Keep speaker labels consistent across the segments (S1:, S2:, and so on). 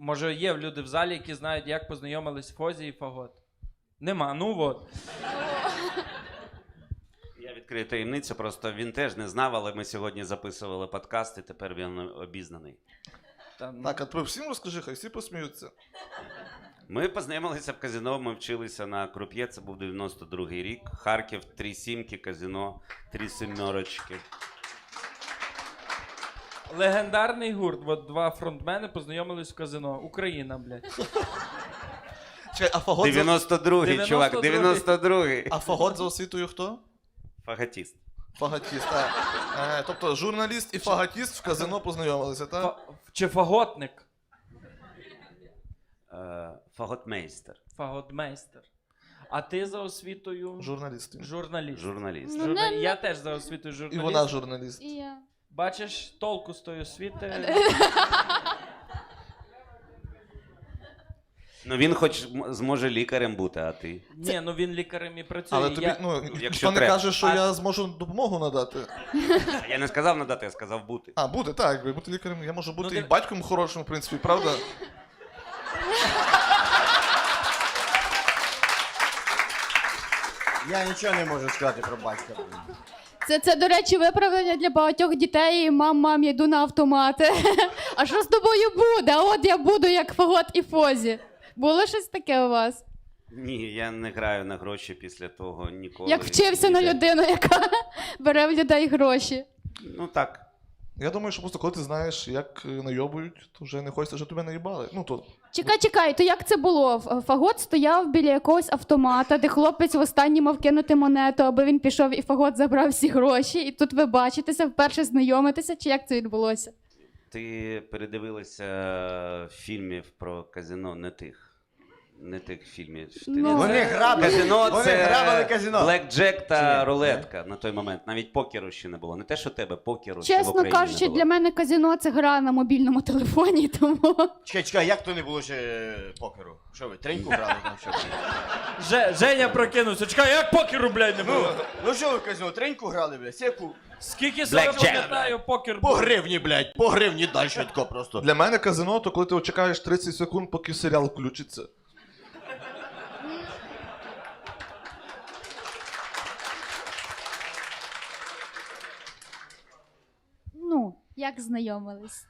S1: Може є люди в залі, які знають, як познайомились Фозі і Фагот? Нема, ну от.
S2: Я відкрию таємницю, просто він теж не знав, але ми сьогодні записували подкаст, і тепер він обізнаний.
S3: Так, а ти всім розкажи, хай всі посміються.
S2: Ми познайомилися в казино, ми вчилися на круп'є, це був 92-й рік. Харків, 3 сімки, казино, 3 семерочки.
S1: Легендарний гурт. От два фронтмени познайомились в казино. Україна, блядь.
S3: Чекай, а Фагот
S2: 92-й, чувак, 92-й.
S3: А Фагот за освітою хто?
S2: Фаготіст.
S3: Фаготіст, так. Тобто журналіст і фаготіст в казино познайомилися, так?
S1: Чи фаготник?
S2: Фаготмейстер.
S1: Фаготмейстер. А ти за освітою?
S3: Журналіст.
S1: Журналіст.
S2: Журналіст.
S1: Я теж за освітою
S3: І
S1: журналіст.
S3: вона журналіст.
S4: І я.
S1: Бачиш, толку з тої освіти.
S2: Ну він хоч зможе лікарем бути, а ти?
S1: Ні, ну він лікарем і працює.
S3: Але тобі,
S2: Якщо
S3: ніхто не
S2: треба.
S3: каже, що я зможу допомогу надати.
S2: Я не сказав надати, я сказав бути.
S3: А, буде, так, якби бути лікарем. Я можу бути
S1: Ну,
S3: і батьком хорошим, в принципі, правда?
S5: Я нічого не можу сказати про батька.
S4: Це, до речі, виправдання для багатьох дітей. Мам, я йду на автомати. А що з тобою буде? А от я буду як Фагот і Фозі. Було щось таке у вас?
S2: Ні, я не граю на гроші після того ніколи.
S4: Як вчився на людину, яка бере в людей гроші.
S2: Ну так.
S3: Я думаю, що просто коли ти знаєш, як найобують, то вже не хочеться, щоб тебе наїбали. Ну, то...
S4: Чекай, то як це було? Фагот стояв біля якогось автомата, де хлопець востаннє мав кинути монету, аби він пішов і Фагот забрав всі гроші. І тут ви бачитеся, вперше знайомитеся, чи як це відбулося?
S2: Ти передивилася фільмів про казино не тих фільмів. Ти
S4: Ну,
S2: не
S5: Вони
S2: знаєш.
S5: грабили.
S2: Казино
S5: Вони
S2: це
S5: грабили казино.
S2: блекджек
S5: Чи
S2: та
S5: ні?
S2: рулетка на той момент. Навіть покеру ще не було. Не те, що тебе, покеру ще в
S4: Чесно
S2: Україні
S4: кажучи,
S2: не було.
S4: для мене казино – це гра на мобільному телефоні, тому...
S5: Чекай, як то не було ще покеру? Що ви, треньку грали там? Що?
S1: Женя прокинувся. Чекай, як покеру, блядь, не було?
S5: Ну що ви в казино, треньку грали, блядь? Секу.
S1: Скільки себе
S2: Blackjack.
S1: пам'ятаю, покер
S5: По
S1: був.
S5: гривні, блядь, по гривні далі тако просто.
S3: Для мене казино, то коли ти чекаєш 30 секунд, поки серіал включиться.
S4: Ну, як знайомились?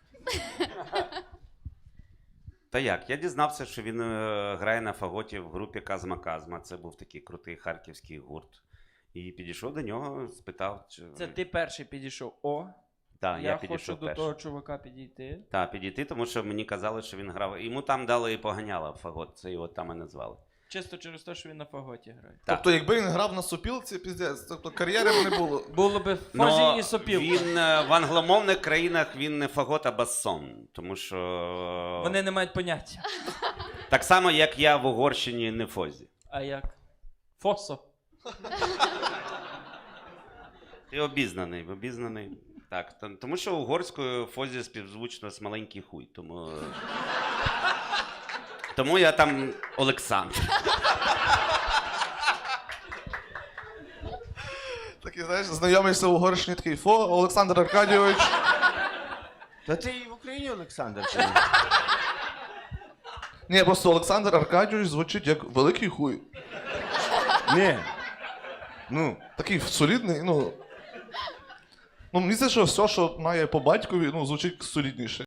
S2: Та як? Я дізнався, що він грає на фаготі в групі Казма-Казма. Це був такий крутий харківський гурт. І підійшов до нього, спитав, чи...
S1: Це ти перший підійшов. О,
S2: Так, я
S1: я
S2: підійшов
S1: хочу до
S2: перший.
S1: того чувака підійти.
S2: Так, підійти, тому що мені казали, що він грав. Йому там дали і поганяла в фагот, це його там і назвали.
S1: Чисто через те, що він на фаготі грає.
S2: Так.
S3: Тобто, якби він грав на сопілці, піздець, тобто кар'єри б не було.
S1: Було би Фозі
S2: Но
S1: і Сопілка.
S2: він в англомовних країнах він не фагот, а бассон. Тому що
S1: Вони не мають поняття.
S2: так само, як я в Угорщині не фозі.
S1: А як? Фосо.
S2: Ти обізнаний. Так, тому що угорською фозі співзвучно з маленький хуй. Тому я там Олександр.
S3: Такий, знаєш, знайомишся в Угорщині, такий, Олександр Аркадійович.
S5: Та ти і в Україні, Олександр, чи ні?
S3: Ні, просто Олександр Аркадійович звучить як великий хуй.
S5: Ні. Ну.
S3: Такий солідний, ну... Ну, мені здається, що все, що має по батькові, ну, звучить солідніше.